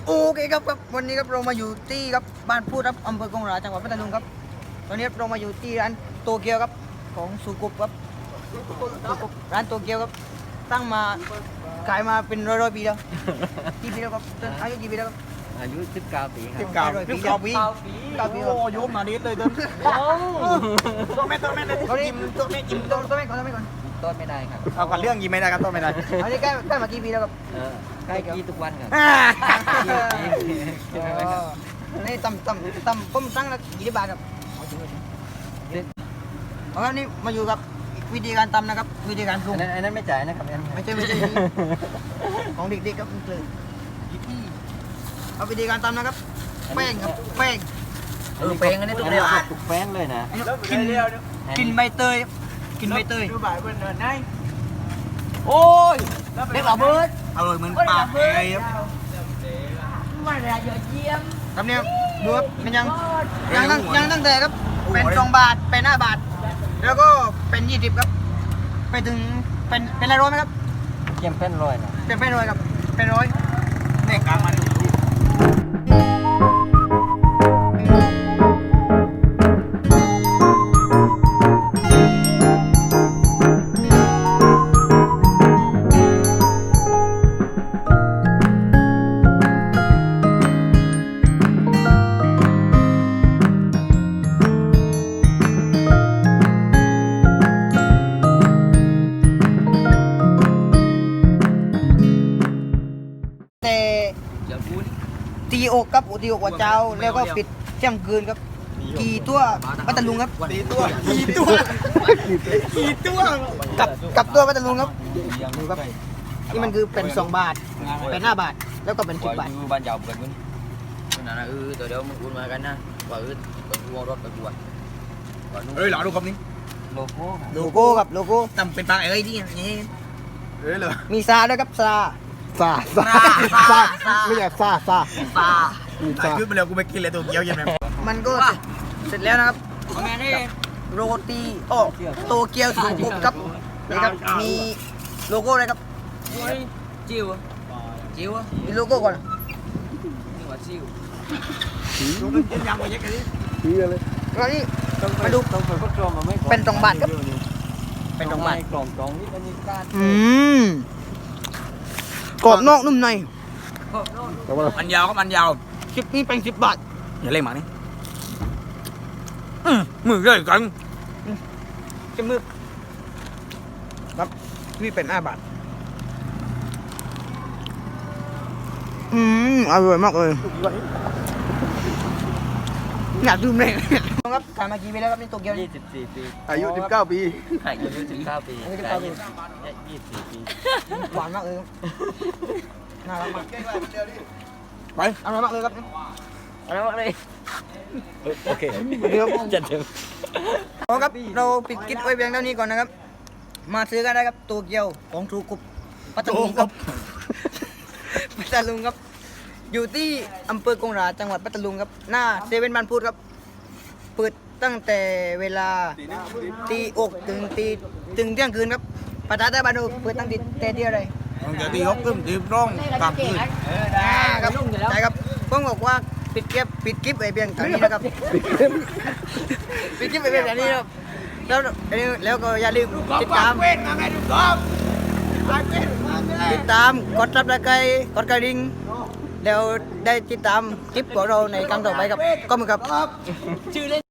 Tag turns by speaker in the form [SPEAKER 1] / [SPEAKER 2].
[SPEAKER 1] โอเคครับวันนี้ครับเรามาอยู่ที่ครับบ้านพูดครับอำเภอกงหราจังหวัดพัทลุงครับตอนนี้เรามาอยู่ที่ร้านโตเกียวครับของสุกุปครับร้านโตเกียวครับตั้งมาขายมาเป็นร้อยปีแล้วกี่ปีแล้วครับอายุกี่ปีแล้วครับ
[SPEAKER 2] อายุ19 ปีครับ
[SPEAKER 1] 19 ปีโอ้ยมาดิเลยเดินตัวแม่ยิ้มตัวแม่ก่อน
[SPEAKER 2] ต้นไม่ได้ครับ
[SPEAKER 1] เอาก่อนเรื่องยิ้มไม่ได้ครับต้นไม่ได้อันนี้ใกล้มากี่ปีแล้วครับ
[SPEAKER 2] ใกล้กี่ทุกวันครับ
[SPEAKER 1] นี่ตำผมตั้งละ20 บาทครับเอาครับนี่มาอยู่กับวิธีการตำนะครับวิธีการปรุง
[SPEAKER 2] อันนั้นไม่จ่ายนะครับ
[SPEAKER 1] ไม่ใช่ของเด็กๆครับคือเอาวิธีการตำนะครับแป้งครับแป้ง
[SPEAKER 2] แป้งอันนี้ต้องเรียกถูกแป้งเลยนะ
[SPEAKER 1] กินใบเตย
[SPEAKER 2] ดูบ่ายบนเนินได้โอ้ย
[SPEAKER 1] เด็กเหล่าเบิร์ดอร่อยเหมือนปลาเอ้ยครับ
[SPEAKER 3] มาเลยยอดเยี่ยม
[SPEAKER 1] ครับเนี่ยดูครับมันยังตั้งแต่ครับเป็น2 บาทเป็น5 บาทแล้วก็เป็น20ครับไปถึงเป็น100ไหมครับ
[SPEAKER 2] เยี่ยมเป็น100นะ
[SPEAKER 1] เป็น100ครับเป็น100เนี่ยกลางมันตีอกครับตีอกหัวเจ้าแล้วก็ปิดเที่ยงคืนครับกี่ตัวพัทลุงครับกี่ตัวกับตัวพัทลุงครับดูครับนี่มันคือเป็น2 บาทเป็น5 บาทแล้วก็เป็น10 บาท
[SPEAKER 2] บ้านเจ้าเกิดขึ้นนั่นนะตัวเดียวมึงอุ่นมากันนะว่าเป็นวงรถไปบวช
[SPEAKER 1] หล่อดูครับนี่
[SPEAKER 2] โลโก้
[SPEAKER 1] ครับโลโก้ทำเป็นปลาเอ้ยที่นี่เลยมีซาด้วยครับซาไม่ใช่ซา
[SPEAKER 4] ถ่ายคลิปไปแล้วกูไม่กินเลยตัวเกี๊ยวยังไง
[SPEAKER 1] มันก็เสร็จแล้วนะครับโรตีโตเกียวสุกุปครับนี่ครับมีโลโก้อะไรครับ
[SPEAKER 2] จิ๋ว
[SPEAKER 1] มีโลโก้ก่อน
[SPEAKER 2] นี่ว่าจิ๋ว
[SPEAKER 4] ยังไม่ยังกันนี่
[SPEAKER 1] เลยแล้วนี่มาดูเป็น2 บาทครับเป็น2 บาท
[SPEAKER 2] กล่องนี่เป็นการ
[SPEAKER 1] กรอบนอกนุ่มใน
[SPEAKER 4] มันยาวก็มันยาว
[SPEAKER 1] คลิปนี้เป็น10 บาท
[SPEAKER 4] อย่าเล่นหมานี่มือเลยกัน
[SPEAKER 1] จะมือครับนี่เป็น5 บาทอร่อยมากเลยอยากดื่มเลยครับขายมากี่ปีแล้วครับนี่โตเกียว
[SPEAKER 2] 24 ปี
[SPEAKER 4] อายุ19 ปี
[SPEAKER 2] อายุ19 ปี
[SPEAKER 1] 24
[SPEAKER 2] ปี
[SPEAKER 1] หวานมากเลยน่ารักมาก
[SPEAKER 4] ไป
[SPEAKER 1] อร่อยมากเลยครับ
[SPEAKER 2] อะไรบ้างเลยโอเค
[SPEAKER 1] เดี๋ยว
[SPEAKER 2] จัดเต็ม
[SPEAKER 1] ครับเราปิดคลิปไว้เพียงเท่านี้ก่อนนะครับมาซื้อกันได้ครับโตเกียวของสุกุปพัทลุงครับพัทลุงครับอยู่ที่อำเภอกงหราจังหวัดพัทลุงครับหน้าเซเว่นบ้านพูดครับเปิดตั้งแต่เวลาตีอกถึงเที่ยงคืนครับประธานได้บ้านดูเปิดตั้งแต่ที่อะไร
[SPEAKER 4] ตั้งแต่ที่6 ทุ่มตีร้องกลางคืน
[SPEAKER 1] ครับใช่ครับผมบอกว่าปิดคลิปไว้เพียงเท่านี้นะครับปิดคลิปไว้เพียงเท่านี้ครับแล้วก็อย่าลืมติดตามกดซับสไครต์กดกระดิ่งแล้วได้ติดตามคลิปของเราในครั้งต่อไปครับก็เหมือนกับชื่อเล่น